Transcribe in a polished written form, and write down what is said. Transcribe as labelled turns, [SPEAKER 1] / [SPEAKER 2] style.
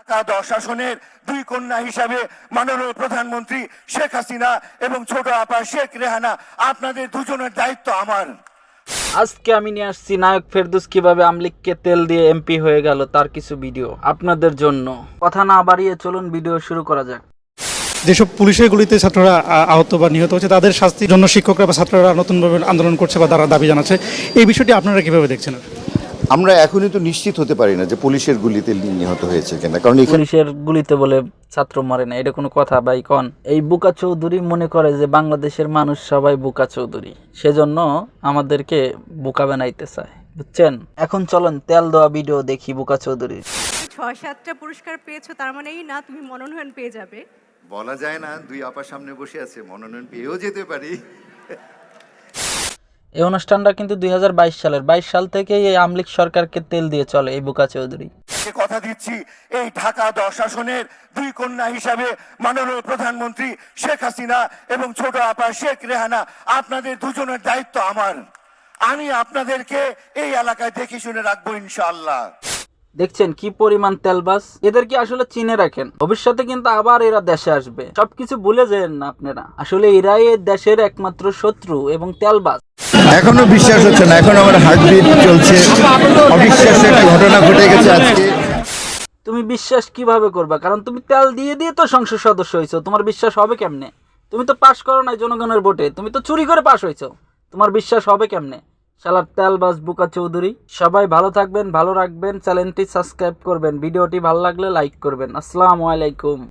[SPEAKER 1] শাসনের দুই কন্যা হিসাবে মাননীয় প্রধানমন্ত্রী শেখ হাসিনা এবং ছোট আপা শেখ রেহানা, আপনাদের দুজনের দায়িত্ব আমার।
[SPEAKER 2] আজকে আমি নিয়ে আসছি নায়ক ফেরদৌস কিভাবে আমলিগকে তেল দিয়ে এমপি হয়ে গেল তার কিছু ভিডিও আপনাদের জন্য। কথা না বাড়িয়ে চলুন ভিডিও শুরু করা যাক।
[SPEAKER 3] যেসব পুলিশের গুলিতে ছাত্ররা আহত বা নিহত হচ্ছে তাদের শাস্তির জন্য শিক্ষকরা বা ছাত্ররা নতুনভাবে আন্দোলন করছে বা তারা দাবি জানাচ্ছে, এই বিষয়টি আপনারা কিভাবে দেখছেন?
[SPEAKER 4] আমরা এখনই তো নিশ্চিত হতে পারি না যে পুলিশের গুলিতে নিহত হয়েছে কিনা, কারণ
[SPEAKER 2] পুলিশের গুলিতে বলে ছাত্র মরে না, এটা কোনো কথা ভাই কন? এই বুকা চৌধুরী মনে করে যে বাংলাদেশের মানুষ সবাই বুকা চৌধুরী, সেজন্য আমাদেরকে বুকা বানাইতে চায়, বুঝছেন? এখন চলেন তেল দেওয়া ভিডিও দেখি বুকা চৌধুরীর।
[SPEAKER 5] ৬-৭টা পুরস্কার পেয়েছো, তার মানে এই না তুমি মনোনয়ন পেয়ে যাবে।
[SPEAKER 4] বলা যায় না, দুই আপার সামনে বসে আছে, মনোনয়ন পেয়েও যেতে পারি।
[SPEAKER 2] এই অনুষ্ঠানটা কিন্তু 2022 সালের 22 সাল থেকে এই আমলিগ সরকারকে তেল দিয়ে চলে এই বুকা চৌধুরী।
[SPEAKER 1] কথা দিচ্ছি, এই ঢাকা 10 শাসনের দুই কন্যা হিসাবে মাননীয় প্রধানমন্ত্রী শেখ হাসিনা এবং ছোট আপা শেখ রেহানা, আপনাদের দুজনের দায়িত্ব আমার। আমি আপনাদেরকে এই এলাকায় দেখে শুনে রাখবো ইনশাআল্লাহ।
[SPEAKER 2] দেখছেন কি পরিমাণ তেলবাস, এদের কি আসলে চিনে রাখেন, ভবিষ্যতে কিন্তু আবার এরা দেশে আসবে, সবকিছু ভুলে যান না আপনারা। আসলে এরাই এই দেশের একমাত্র শত্রু এবং তেলবাস।
[SPEAKER 4] এখনো বিশ্বাস হচ্ছে না, এখন আমার হার্টবিট চলছে, অবিশ্বাস্য একটা ঘটনা ঘটে গেছে আজকে।
[SPEAKER 2] তুমি বিশ্বাস কিভাবে করবা? কারণ তুমি তেল দিয়ে দিয়ে তো সংসদ সদস্য হয়েছো, তোমার বিশ্বাস হবে কেমনে? তুমি তো পাশ করো নাই জনগণের ভোটে, তুমি তো চুরি করে পাশ হয়েছো, তোমার বিশ্বাস হবে কেমনে? শালার তেলবাস বুকা চৌধুরী। সবাই ভালো থাকবেন, ভালো রাখবেন, চ্যানেলটি সাবস্ক্রাইব করবেন, ভিডিওটি ভালো লাগলে লাইক করবেন। আসসালামু আলাইকুম।